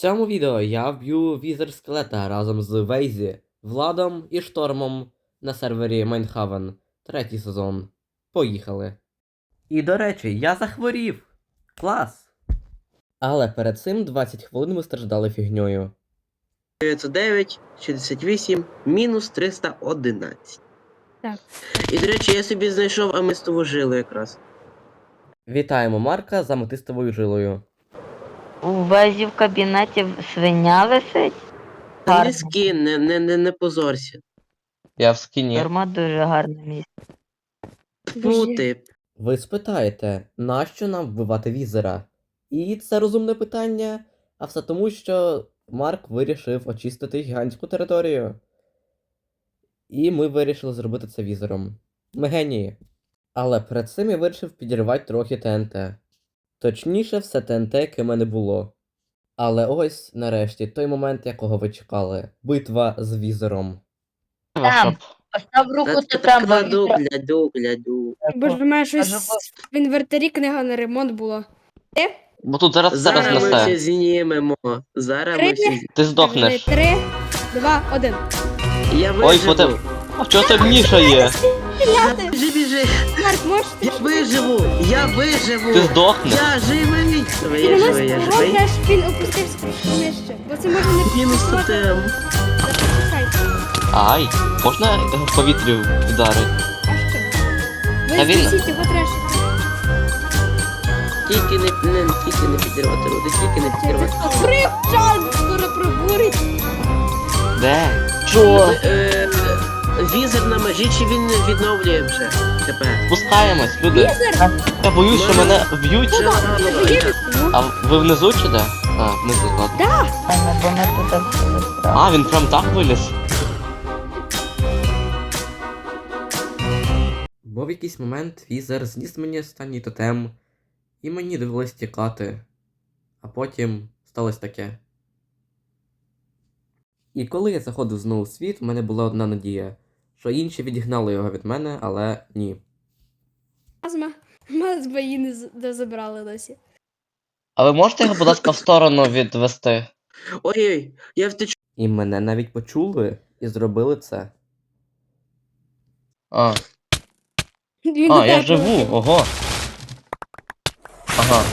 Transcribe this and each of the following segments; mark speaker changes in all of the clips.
Speaker 1: цьому відео я вб'ю візер скелета разом з Вейзі, Владом і Штормом на сервері Майнхавен, 3-й сезон. Поїхали. І до речі, я захворів! Клас! Але перед цим 20 хвилин ми страждали фігньою.
Speaker 2: 909, 68, мінус 311.
Speaker 3: Так.
Speaker 2: І, до речі, я собі знайшов амистову жилу якраз.
Speaker 1: Вітаємо Марка з аметистовою жилою.
Speaker 4: У Везі в кабінеті свиня висить.
Speaker 2: Та не
Speaker 4: Гарно.
Speaker 2: скин, не позорся.
Speaker 1: Я в скіні.
Speaker 4: Норма дуже гарне місце.
Speaker 2: Фу ти.
Speaker 1: Ви спитаєте, нащо нам вбивати візера? І це розумне питання, а все тому, що Марк вирішив очистити гігантську територію. І ми вирішили зробити це візером. Ми генії. Але перед цим я вирішив підірвати трохи ТНТ. Точніше, все ТНТ, яке в мене було. Але ось, нарешті, той момент, якого ви чекали. Битва з візером.
Speaker 4: Там, постав руку, то там
Speaker 2: Кладу,
Speaker 4: вовітра.
Speaker 2: гляду.
Speaker 3: Боже, в мене щось
Speaker 4: Кажу,
Speaker 3: в інвентарі книга на ремонт була.
Speaker 5: Бо тут зараз все
Speaker 2: Зараз ми
Speaker 5: рознесе.
Speaker 2: все знімемо. Зараз ми всі...
Speaker 5: Ти здохнеш.
Speaker 3: 3, 2, 1.
Speaker 2: Я
Speaker 5: Ой,
Speaker 2: виживу.
Speaker 5: фото. А чого темніше?
Speaker 2: Біжи.
Speaker 3: Марк, можеш ти
Speaker 2: Я виживу.
Speaker 5: Ти здохнеш.
Speaker 2: Я живий. Я
Speaker 3: переносити
Speaker 2: живий.
Speaker 3: його, треба, щоб він опустився трошки нижче. Бо це може не
Speaker 2: Мінус
Speaker 3: працювати.
Speaker 2: тотем.
Speaker 3: Запускайте.
Speaker 5: Ай, можна в повітрі вдарити?
Speaker 3: А що?
Speaker 5: Та
Speaker 3: Ви
Speaker 5: він-
Speaker 3: знесіть його треш.
Speaker 2: Тільки не підірвати руди, тільки не підірвати.
Speaker 3: Привчан, скоро пробурить.
Speaker 5: Де?
Speaker 4: Що?
Speaker 2: Візер на межі, чи він відновлює вже тепер?
Speaker 5: Спускаємось, люди.
Speaker 3: Візер!
Speaker 5: Я боюсь, що мене вб'ють.
Speaker 2: Вже рано.
Speaker 5: А ви внизу чи де? А, внизу, ладно.
Speaker 4: Бо ми тут всі застряли.
Speaker 5: А, він прям так виліз.
Speaker 1: Бо в якийсь момент візер зніс мені останній тотем, і мені довелось тікати. А потім сталося таке. І коли я заходив знову в світ, в мене була одна надія, що інші відігнали його від мене, але ні.
Speaker 3: Ми з бої не забрали досі.
Speaker 5: А ви можете його, будь ласка, в сторону відвести?
Speaker 2: Ой-ой, я втечу.
Speaker 1: І мене навіть почули і зробили це.
Speaker 5: А,
Speaker 3: Він до
Speaker 5: а я
Speaker 3: тебе
Speaker 5: живу,
Speaker 3: прилетів.
Speaker 5: ого. Ага.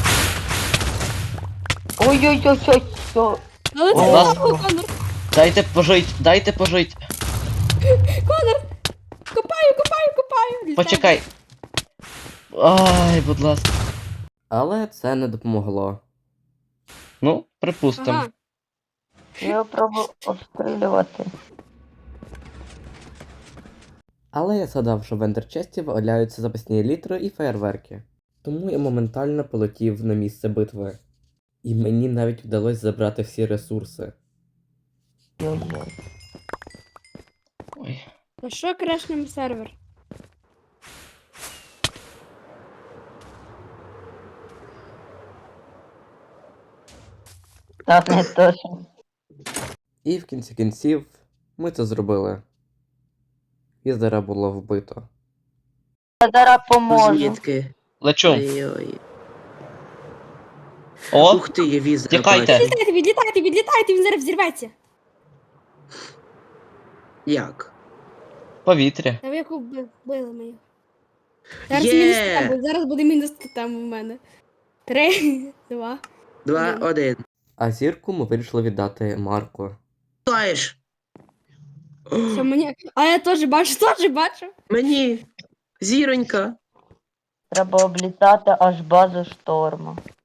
Speaker 4: Ой-ой-ой-ой.
Speaker 3: Але це
Speaker 5: О,
Speaker 3: не
Speaker 5: нас-
Speaker 3: Конор.
Speaker 5: Дайте пожить.
Speaker 3: Конор! Копаю.
Speaker 5: Почекай. Ай, будь ласка.
Speaker 1: Але це не допомогло.
Speaker 5: Ну, припустимо.
Speaker 3: Ага.
Speaker 4: Я пробую обстрілювати.
Speaker 1: Але я згадав, що в ендерчесті валяються запасні літри і феєрверки. Тому я моментально полетів на місце битви. І мені навіть вдалося забрати всі ресурси.
Speaker 4: Ой-ой.
Speaker 5: Ой.
Speaker 3: На що крашнем сервер?
Speaker 4: Так не точно.
Speaker 1: І в кінці кінців ми це зробили. Візера було вбито.
Speaker 4: Я зараз поможу.
Speaker 2: Звідки?
Speaker 5: Лечу.
Speaker 2: Ой-ой.
Speaker 5: О,
Speaker 2: Ух ти, я візер
Speaker 5: Тікайте.
Speaker 2: бачу.
Speaker 3: Відлітайте, він зараз взірветься.
Speaker 2: Як?
Speaker 5: повітря.
Speaker 3: Та ви як вбили мене. Зараз
Speaker 2: Є!
Speaker 3: мінус тотем буде, зараз буде мінус тотем у мене. 3, 2.
Speaker 2: 2, 1.
Speaker 1: А зірку ми вирішили віддати Марку.
Speaker 2: Знаєш?
Speaker 3: Що мені... А я теж бачу.
Speaker 2: Мені. Зіронька.
Speaker 4: Треба облітати аж базу шторму.